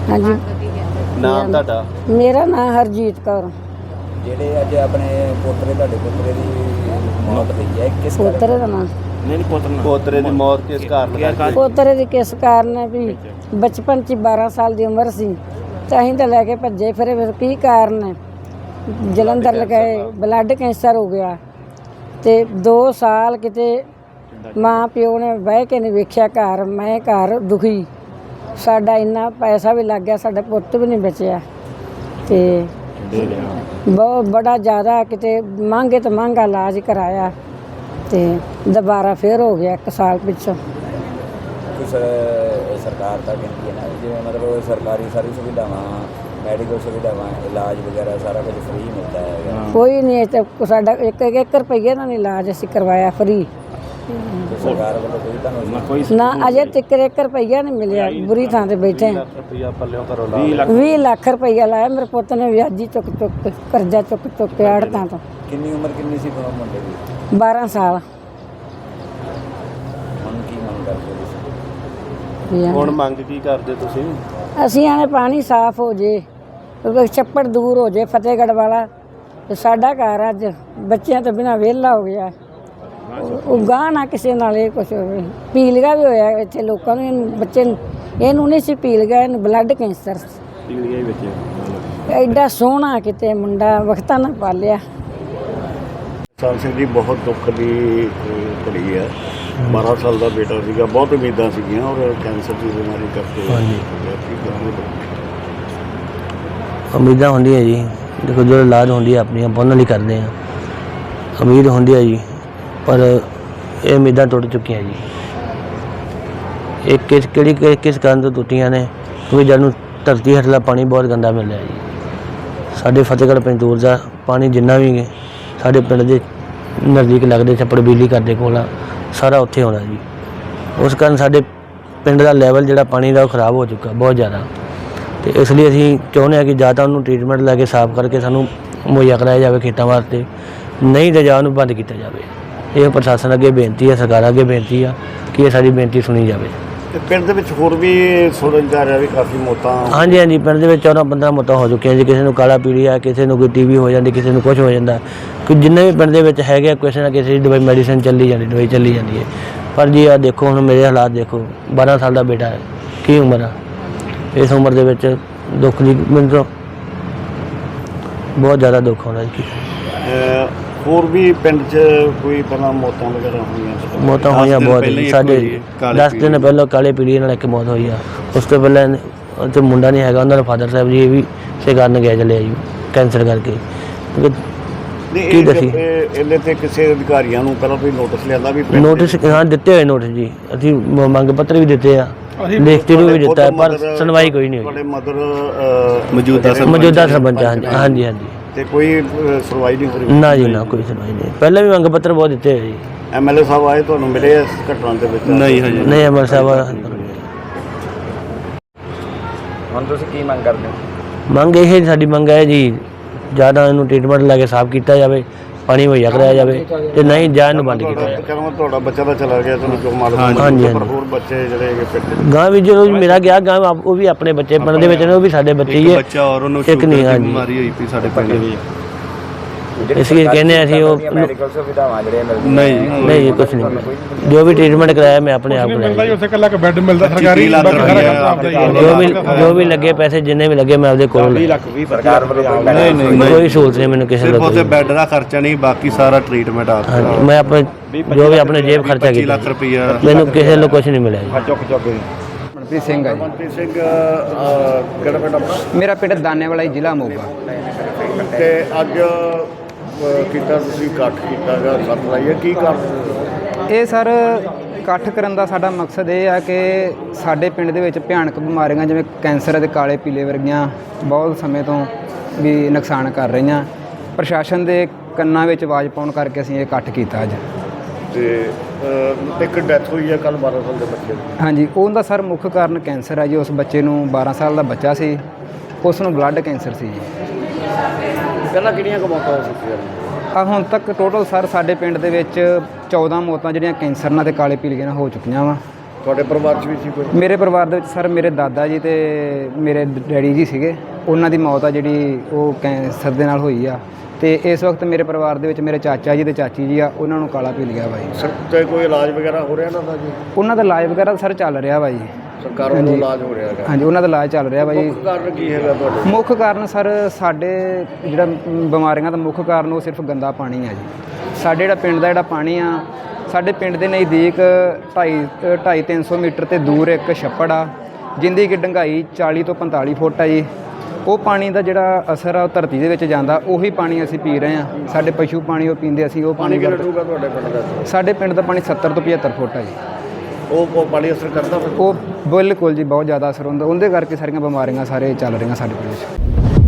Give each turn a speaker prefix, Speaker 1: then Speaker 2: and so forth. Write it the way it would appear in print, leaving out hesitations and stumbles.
Speaker 1: हाँ जी।
Speaker 2: ਨਾਮ ਤੁਹਾਡਾ?
Speaker 1: मेरा नाम हरजीत कौर।
Speaker 3: ਜਿਹੜੇ ਅੱਜ ਆਪਣੇ ਪੋਤਰੇ ਤੁਹਾਡੇ ਪੋਤਰੇ ਦੀ ਮੌਤ ਹੋਈ ਹੈ ਕਿਸ
Speaker 1: पोतरे का नाम
Speaker 2: ਨਹੀਂ ਪੋਤਰੇ ਦੀ ਮੌਤ ਕਿਸ ਕਾਰਨ ਕਰਕੇ?
Speaker 1: पोतरे की किस कारण है भी बचपन च 12 साल की उम्र सी तो अं तो लैके भजे फिर की कारण है जलंधर लगाए ब्लड कैंसर हो गया तो 2 साल किते माँ प्यो ने बह के नहीं वेख्या घर मैं घर दुखी साडा इन्ना पैसा भी लग गया साडा पुत्त भी नहीं बचिया तो बहुत बड़ा ज़्यादा किते महंगे तो महंगा इलाज कराया तो दोबारा फिर हो गया 1 साल पिछों।
Speaker 3: कुछ सरकार का कहती है ना जिवें मतलब सरकारी सारी सुविधावां मैडिकल सुविधावां इलाज वगैरह सारा कुछ फ्री मिलता है।
Speaker 1: कोई नहीं तो साडा 1 रुपये का नहीं इलाज असीं करवाया फ्री
Speaker 3: तो सरकार वालों कोई
Speaker 1: ना अजे तक 1 रुपया नहीं मिलिया बुरी थां ते बैठे हैं।
Speaker 2: ਰੁਪਈਆ ਪੱਲਿਓਂ ਘਰੋਂ ਲਾ
Speaker 1: 20 लाख रुपया लाया मेरे पुत ने व्याजी चुक चुक के कर्जा चुक चुक के आड़तां तो।
Speaker 3: किन्नी उम्र किन्नी सी मुंडे दी?
Speaker 1: 12 साल।
Speaker 3: ਹੁਣ ਕੀ ਮੰਗ ਕਰਦੇ ਤੁਸੀਂ?
Speaker 2: ਹੁਣ ਮੰਗ ਕੀ ਕਰਦੇ ਤੁਸੀਂ?
Speaker 1: ਅਸੀਂ ਆਨੇ ਪਾਣੀ ਸਾਫ਼ ਹੋ ਜੇ ਛੱਪੜ ਦੂਰ ਹੋ ਜੇ ਫਤਿਹਗੜ੍ਹ ਵਾਲਾ ਤੇ ਸਾਡਾ ਘਰ ਅੱਜ ਬੱਚਿਆਂ ਤੋਂ ਬਿਨਾਂ ਵਿਹਲਾ ਹੋ ਗਿਆ ਉਹ ਗਾਹ ਨਾ ਕਿਸੇ ਨਾਲ ਇਹ ਕੁਛ ਹੋਵੇ। ਪੀਲੀਆ ਵੀ ਹੋਇਆ ਇੱਥੇ ਲੋਕਾਂ ਨੂੰ ਇਹਨੂੰ ਬੱਚੇ ਨੂੰ ਇਹਨੂੰ ਨਹੀਂ ਸੀ ਪੀਲੀਆ ਇਹਨੂੰ ਬਲੱਡ ਕੈਂਸਰ
Speaker 2: ਪੀਲੀਆ ਹੀ ਵਿੱਚ
Speaker 1: ਐਡਾ ਸੋਹਣਾ ਕਿਤੇ ਮੁੰਡਾ ਵਕਤਾਂ ਨਾ ਪਾਲਿਆ।
Speaker 4: ਸਾਲ ਸਿੰਘ ਦੀ ਬਹੁਤ ਦੁੱਖ ਦੀ ਘੜੀ ਹੈ। 12 ਸਾਲ ਦਾ ਬੇਟਾ ਸੀਗਾ, ਬਹੁਤ ਉਮੀਦਾਂ ਸੀਗੀਆਂ ਔਰ ਕੈਂਸਰ ਦੀ ਬਿਮਾਰੀ ਕਰਕੇ
Speaker 5: ਉਮੀਦਾਂ ਹੁੰਦੀਆਂ ਜੀ। ਦੇਖੋ ਜੋ ਇਲਾਜ ਹੁੰਦੀ ਹੈ ਆਪਣੀ ਆਪਾਂ ਉਹਨਾਂ ਲਈ ਕਰਦੇ ਹਾਂ, ਉਮੀਦ ਹੁੰਦੀ ਹੈ ਜੀ, ਪਰ ਇਹ ਉਮੀਦਾਂ ਟੁੱਟ ਚੁੱਕੀਆਂ ਜੀ। ਇਹ ਕਿਸ ਕਾਰਨ ਤੋਂ ਟੁੱਟੀਆਂ ਨੇ? ਕਿਉਂਕਿ ਜਦ ਨੂੰ ਧਰਤੀ ਹੇਠਲਾ ਪਾਣੀ ਬਹੁਤ ਗੰਦਾ ਮਿਲ ਰਿਹਾ ਜੀ। ਸਾਡੇ ਫਤਿਹਗੜ੍ਹ ਪੰਜਤੂਰ ਦਾ ਪਾਣੀ ਜਿੰਨਾ ਵੀ ਸਾਡੇ ਪਿੰਡ ਦੇ ਨਜ਼ਦੀਕ ਲੱਗਦੇ ਛੱਪੜ ਬਿਜਲੀ ਘਰ ਦੇ ਕੋਲ ਆ ਸਾਰਾ ਉੱਥੇ ਆਉਂਦਾ ਜੀ। ਉਸ ਕਾਰਨ ਸਾਡੇ ਪਿੰਡ ਦਾ ਲੈਵਲ ਜਿਹੜਾ ਪਾਣੀ ਦਾ ਉਹ ਖਰਾਬ ਹੋ ਚੁੱਕਾ ਬਹੁਤ ਜ਼ਿਆਦਾ। ਅਤੇ ਇਸ ਲਈ ਅਸੀਂ ਚਾਹੁੰਦੇ ਹਾਂ ਕਿ ਜਾਂ ਤਾਂ ਉਹਨੂੰ ਟਰੀਟਮੈਂਟ ਲੈ ਕੇ ਸਾਫ਼ ਕਰਕੇ ਸਾਨੂੰ ਮੁਹੱਈਆ ਕਰਾਇਆ ਜਾਵੇ ਖੇਤਾਂ ਵਾਸਤੇ, ਨਹੀਂ ਤਾਂ ਜਾਂ ਉਹਨੂੰ ਬੰਦ ਕੀਤਾ ਜਾਵੇ। ਇਹ ਪ੍ਰਸ਼ਾਸਨ ਅੱਗੇ ਬੇਨਤੀ ਹੈ, ਸਰਕਾਰਾਂ ਅੱਗੇ ਬੇਨਤੀ ਆ ਕਿ ਇਹ ਸਾਡੀ ਬੇਨਤੀ ਸੁਣੀ ਜਾਵੇ।
Speaker 4: ਤੇ ਪਿੰਡ ਦੇ ਵਿੱਚ ਹੋਰ ਵੀ ਸੁਣਨ ਜਾ ਰਿਹਾ ਵੀ ਕਾਫੀ ਮੌਤਾਂ?
Speaker 5: ਹਾਂਜੀ ਹਾਂਜੀ, ਪਿੰਡ ਦੇ ਵਿੱਚ 14-15 ਮੌਤਾਂ ਹੋ ਚੁੱਕੀਆਂ ਜੀ। ਕਿਸੇ ਨੂੰ ਕਾਲਾ ਪੀਲੀਆ, ਕਿਸੇ ਨੂੰ ਕੋਈ TB ਹੋ ਜਾਂਦੀ, ਕਿਸੇ ਨੂੰ ਕੁਛ ਹੋ ਜਾਂਦਾ। ਕਿ ਜਿੰਨੇ ਵੀ ਪਿੰਡ ਦੇ ਵਿੱਚ ਹੈਗੇ ਕਿਸੇ ਨਾ ਕਿਸੇ ਦੀ ਦਵਾਈ ਮੈਡੀਸਨ ਚੱਲੀ ਜਾਂਦੀ ਹੈ। ਪਰ ਜੀ ਆ ਦੇਖੋ ਹੁਣ ਮੇਰੇ ਹਾਲਾਤ ਦੇਖੋ, 12 ਸਾਲ ਦਾ ਬੇਟਾ ਹੈ, ਕੀ ਉਮਰ ਆ। ਇਸ ਉਮਰ ਦੇ ਵਿੱਚ ਦੁੱਖ ਦੀ ਮੈਨੂੰ ਤਾਂ ਬਹੁਤ ਜ਼ਿਆਦਾ ਦੁੱਖ ਆਉਂਦਾ ਜੀ।
Speaker 4: ਹੋਰ ਵੀ ਪਿੰਡ 'ਚ ਕੋਈ ਪਹਿਲਾਂ ਮੌਤਾਂ ਵਗੈਰਾ ਹੋਈਆਂ?
Speaker 5: ਮੌਤਾਂ ਹੋਈਆਂ ਬਹੁਤ ਜੀ। ਸਾਡੇ 10 ਦਿਨ ਪਹਿਲਾਂ ਕਾਲੇ ਪੀਲੀਏ ਨਾਲ ਇੱਕ ਮੌਤ ਹੋਈ ਆ। ਉਸ ਤੋਂ ਪਹਿਲਾਂ ਉੱਥੇ ਮੁੰਡਾ ਨਹੀਂ ਹੈਗਾ, ਉਹਨਾਂ ਦਾ ਫਾਦਰ ਸਾਹਿਬ ਜੀ ਇਹ ਵੀ ਇਸੇ ਕਾਰਨ ਗਿਆ ਚੱਲਿਆ ਜੀ ਕੈਂਸਰ ਕਰਕੇ। ਕੀ ਦੱਸੀ
Speaker 4: ਇਹਦੇ 'ਤੇ ਕਿਸੇ ਅਧਿਕਾਰੀਆਂ ਨੂੰ ਪਹਿਲਾਂ ਕੋਈ ਨੋਟਿਸ ਲਿਆਂਦਾ ਵੀ?
Speaker 5: ਨੋਟਿਸ ਹਾਂ ਦਿੱਤੇ ਹੋਏ ਨੋਟਿਸ ਜੀ, ਅਸੀਂ ਮੰਗ ਪੱਤਰ ਵੀ ਦਿੱਤੇ ਆ, ਲਿਖਤੀ ਨੂੰ ਵੀ ਦਿੱਤਾ, ਪਰ ਸੁਣਵਾਈ ਕੋਈ ਨਹੀਂ ਹੋਈ।
Speaker 4: ਤੁਹਾਡੇ ਮਦਰ
Speaker 5: ਮੌਜੂਦਾ ਸਰਪੰਚ? ਹਾਂਜੀ ਹਾਂਜੀ।
Speaker 4: ਤੇ ਕੋਈ ਸੁਣਵਾਈ ਨਹੀਂ ਹੋਈ?
Speaker 5: ਨਾ ਜੀ ਨਾ, ਕੋਈ ਸੁਣਵਾਈ ਨਹੀਂ। ਪਹਿਲਾਂ ਵੀ ਮੰਗ ਪੱਤਰ ਬਹੁਤ ਦਿੱਤੇ ਹੋਏ ਜੀ।
Speaker 4: MLA ਸਾਹਿਬ ਆਏ ਤੁਹਾਨੂੰ ਮਿਲੇ ਇਸ ਘਟਨਾ ਦੇ ਵਿੱਚ?
Speaker 2: ਨਹੀਂ ਹਜੇ
Speaker 5: ਨਹੀਂ MLA ਸਾਹਿਬ
Speaker 3: ਹੁਣ ਤੁਸੀਂ ਕੀ ਮੰਗ ਕਰਦੇ ਹੋ?
Speaker 5: ਮੰਗ ਇਹ ਸਾਡੀ ਮੰਗ ਹੈ ਜੀ, ਜ਼ਿਆਦਾ ਇਹਨੂੰ ਟ੍ਰੀਟਮੈਂਟ ਲੈ ਕੇ ਸਾਫ਼ ਕੀਤਾ ਜਾਵੇ, ਪਾਣੀ ਮੁਹੱਈਆ ਕਰਾਇਆ ਜਾਵੇ, ਤੇ ਨਹੀਂ ਜਾਂ ਇਹਨੂੰ ਬੰਦ ਕੀਤਾ ਜਾਵੇ।
Speaker 4: ਕਹਿੰਦਾ ਤੁਹਾਡਾ ਬੱਚਾ ਤਾਂ ਚਲਾ ਗਿਆ, ਤੁਹਾਨੂੰ ਕਿਉਂ ਮਾਲੂਮ?
Speaker 5: ਹਾਂਜੀ
Speaker 4: ਪਰ ਹੋਰ ਬੱਚੇ ਜਿਹੜੇ ਹੈਗੇ ਪਿੰਡ
Speaker 5: ਗਾਂ ਵੀ ਜਦੋਂ ਮੇਰਾ ਗਿਆ ਗਾਂ ਉਹ ਵੀ ਆਪਣੇ ਬੱਚੇ ਪਿੰਡ ਦੇ ਵਿੱਚ ਨੇ, ਉਹ ਵੀ ਸਾਡੇ ਬੱਚੇ ਹੀ ਹੈ।
Speaker 2: ਬੱਚਾ ਔਰ ਉਹਨੂੰ
Speaker 5: ਇੱਕ ਨਹੀਂ, ਹਾਂਜੀ
Speaker 2: ਬਿਮਾਰੀ ਹੋਈ ਪਈ ਸਾਡੇ ਪਿੰਡ ਵਿੱਚ।
Speaker 5: ਇਸ ਲਈ ਕਹਿੰਦੇ ਅਸੀਂ ਉਹ
Speaker 3: ਮੈਡੀਕਲ ਸੁਵਿਧਾਵਾਂ ਜਿਹੜੀਆਂ ਮਿਲਦੀਆਂ?
Speaker 5: ਨਹੀਂ ਕੁਛ ਨਹੀਂ, ਜੋ ਵੀ ਟ੍ਰੀਟਮੈਂਟ ਕਰਾਇਆ ਮੈਂ ਆਪਣੇ ਆਪ ਕਰਾਇਆ।
Speaker 6: ਉੱਥੇ ਕੱਲਾ ਬੈੱਡ ਮਿਲਦਾ ਸਰਕਾਰੀ,
Speaker 5: ਜੋ ਵੀ ਲੱਗੇ ਪੈਸੇ ਜਿੰਨੇ ਵੀ ਲੱਗੇ ਮੈਂ ਆਪਦੇ ਕੋਲ
Speaker 3: ਸਰਕਾਰ ਵੱਲੋਂ
Speaker 5: ਕੋਈ ਸਹੂਲਤ ਨਹੀਂ ਮੈਨੂੰ ਕਿਸੇ
Speaker 2: ਸਿਰਫ ਉਹਦੇ
Speaker 5: ਦਾ।
Speaker 2: ਬੈੱਡ ਦਾ ਖਰਚਾ ਨਹੀਂ, ਬਾਕੀ ਸਾਰਾ ਟ੍ਰੀਟਮੈਂਟ ਆਪ
Speaker 5: ਹਾਂਜੀ, ਮੈਂ ਆਪਣੇ ਜੋ ਵੀ ਆਪਣੇ ਜੇਬ ਖਰਚਾ
Speaker 2: 25
Speaker 5: ਕੀਤਾ,
Speaker 2: ਲੱਖ ਰੁਪਈਆ
Speaker 5: ਮੈਨੂੰ ਕਿਸੇ ਨੂੰ ਕੁਛ ਨਹੀਂ ਮਿਲਿਆ ਜੀ।
Speaker 7: ਮਨਪ੍ਰੀਤ ਸਿੰਘ ਹੈ ਜੀ।
Speaker 4: ਮਨਪ੍ਰੀਤ ਸਿੰਘ ਕਿਹੜਾ ਪਿੰਡ ਆਪਣਾ?
Speaker 7: ਮੇਰਾ ਪਿੰਡ ਦਾਨੇਵਾਲਾ ਜ਼ਿਲ੍ਹਾ ਮੋਗਾ।
Speaker 4: ਤੇ ਅੱਜ ਕੀਤਾ ਤੁਸੀਂ ਇਕੱਠ ਕੀਤਾ ਗਾ, ਸੱਟ ਲਾਈ ਹੈ, ਕੀ ਕਾਰਨ?
Speaker 7: ਇਹ ਸਰ ਇਕੱਠ ਕਰਨ ਦਾ ਸਾਡਾ ਮਕਸਦ ਇਹ ਆ ਕਿ ਸਾਡੇ ਪਿੰਡ ਦੇ ਵਿੱਚ ਭਿਆਨਕ ਬਿਮਾਰੀਆਂ ਜਿਵੇਂ ਕੈਂਸਰ ਅਤੇ ਕਾਲੇ ਪੀਲੇ ਵਰਗੀਆਂ ਬਹੁਤ ਸਮੇਂ ਤੋਂ ਵੀ ਨੁਕਸਾਨ ਕਰ ਰਹੀਆਂ। ਪ੍ਰਸ਼ਾਸਨ ਦੇ ਕੰਨਾਂ ਵਿੱਚ ਆਵਾਜ਼ ਪਾਉਣ ਕਰਕੇ ਅਸੀਂ ਇਹ ਇਕੱਠ ਕੀਤਾ ਅੱਜ।
Speaker 4: ਤੇ ਇੱਕ ਡੈਥ ਹੋਈ ਹੈ ਕੱਲ੍ਹ 12 ਸਾਲ ਦੇ ਬੱਚੇ ਦੀ।
Speaker 7: ਹਾਂਜੀ, ਉਹਦਾ ਸਰ ਮੁੱਖ ਕਾਰਨ ਕੈਂਸਰ ਹੈ ਜੀ। ਉਸ ਬੱਚੇ ਨੂੰ 12 ਸਾਲ ਦਾ ਬੱਚਾ ਸੀ, ਉਸ ਨੂੰ ਬਲੱਡ ਕੈਂਸਰ ਸੀ ਜੀ।
Speaker 4: ਪਹਿਲਾਂ ਕਿਹੜੀਆਂ ਕੁ ਮੌਤਾਂ ਹੋ ਚੁੱਕੀਆਂ ਨੇ?
Speaker 7: ਹੁਣ ਤੱਕ ਟੋਟਲ ਸਰ ਸਾਡੇ ਪਿੰਡ ਦੇ ਵਿੱਚ 14 ਮੌਤਾਂ ਜਿਹੜੀਆਂ ਕੈਂਸਰ ਨਾਲ ਅਤੇ ਕਾਲੇ ਪੀਲੀਏ ਨਾਲ ਹੋ ਚੁੱਕੀਆਂ ਵਾ।
Speaker 4: ਤੁਹਾਡੇ ਪਰਿਵਾਰ 'ਚ ਵੀ ਸੀ ਕੋਈ?
Speaker 7: ਮੇਰੇ ਪਰਿਵਾਰ ਦੇ ਵਿੱਚ ਸਰ ਮੇਰੇ ਦਾਦਾ ਜੀ ਤੇ ਮੇਰੇ ਡੈਡੀ ਜੀ ਸੀਗੇ, ਉਹਨਾਂ ਦੀ ਮੌਤ ਆ ਜਿਹੜੀ ਉਹ ਕੈਂਸਰ ਦੇ ਨਾਲ ਹੋਈ ਆ। ਤੇ ਇਸ ਵਕਤ ਮੇਰੇ ਪਰਿਵਾਰ ਦੇ ਵਿੱਚ ਮੇਰੇ ਚਾਚਾ ਜੀ ਤੇ ਚਾਚੀ ਜੀ ਆ, ਉਹਨਾਂ ਨੂੰ ਕਾਲਾ ਪੀ ਲਿਆ ਵਾ ਜੀ।
Speaker 4: ਸਰ ਤੇ ਕੋਈ ਇਲਾਜ ਵਗੈਰਾ ਹੋ ਰਿਹਾ ਇਹਨਾਂ ਦਾ ਜੀ?
Speaker 7: ਉਹਨਾਂ ਦਾ ਇਲਾਜ ਵਗੈਰਾ ਸਰ ਚੱਲ ਰਿਹਾ ਵਾ ਜੀ।
Speaker 4: ਸਰਕਾਰ ਵੱਲੋਂ ਇਲਾਜ ਹੋ ਰਿਹਾ ਹੈਗਾ?
Speaker 7: ਹਾਂਜੀ, ਉਹਨਾਂ ਦਾ ਇਲਾਜ ਚੱਲ ਰਿਹਾ ਵਾ ਜੀ।
Speaker 4: ਮੁੱਖ ਕਾਰਨ ਕੀ ਹੈਗਾ ਤੁਹਾਡੇ?
Speaker 7: ਮੁੱਖ ਕਾਰਨ ਸਰ ਸਾਡੇ ਜਿਹੜਾ ਬਿਮਾਰੀਆਂ ਦਾ ਮੁੱਖ ਕਾਰਨ ਉਹ ਸਿਰਫ ਗੰਦਾ ਪਾਣੀ ਆ ਜੀ। ਸਾਡੇ ਜਿਹੜਾ ਪਿੰਡ ਦਾ ਜਿਹੜਾ ਪਾਣੀ ਆ, ਸਾਡੇ ਪਿੰਡ ਦੇ ਨਜ਼ਦੀਕ 250-300 ਮੀਟਰ ਤੇ ਦੂਰ ਇੱਕ ਛੱਪੜ ਆ, ਜਿੰਦੀ ਕਿ ਡੂੰਘਾਈ 40 ਤੋਂ 45 ਫੁੱਟ ਆ ਜੀ। ਉਹ ਪਾਣੀ ਦਾ ਜਿਹੜਾ ਅਸਰ ਆ ਉਹ ਧਰਤੀ ਦੇ ਵਿੱਚ ਜਾਂਦਾ, ਉਹੀ ਪਾਣੀ ਅਸੀਂ ਪੀ ਰਹੇ ਹਾਂ। ਸਾਡੇ ਪਸ਼ੂ ਪਾਣੀ ਉਹ ਪੀਂਦੇ, ਅਸੀਂ ਉਹ ਪਾਣੀ
Speaker 4: ਕਿੰਨਾ ਡੂੰਘਾ ਤੁਹਾਡੇ ਪਿੰਡ ਦਾ?
Speaker 7: ਸਾਡੇ ਪਿੰਡ ਦਾ ਪਾਣੀ 70 ਤੋਂ 75 ਫੁੱਟ ਆ ਜੀ।
Speaker 4: ਉਹ ਪਾਣੀ ਅਸਰ ਕਰਦਾ ਫਿਰ?
Speaker 7: ਉਹ ਬਿਲਕੁਲ ਜੀ ਬਹੁਤ ਜ਼ਿਆਦਾ ਅਸਰ ਹੁੰਦਾ, ਉਹਦੇ ਕਰਕੇ ਸਾਰੀਆਂ ਬਿਮਾਰੀਆਂ ਸਾਰੇ ਚੱਲ ਰਹੀਆਂ ਸਾਡੇ ਪਿੰਡ ਵਿੱਚ।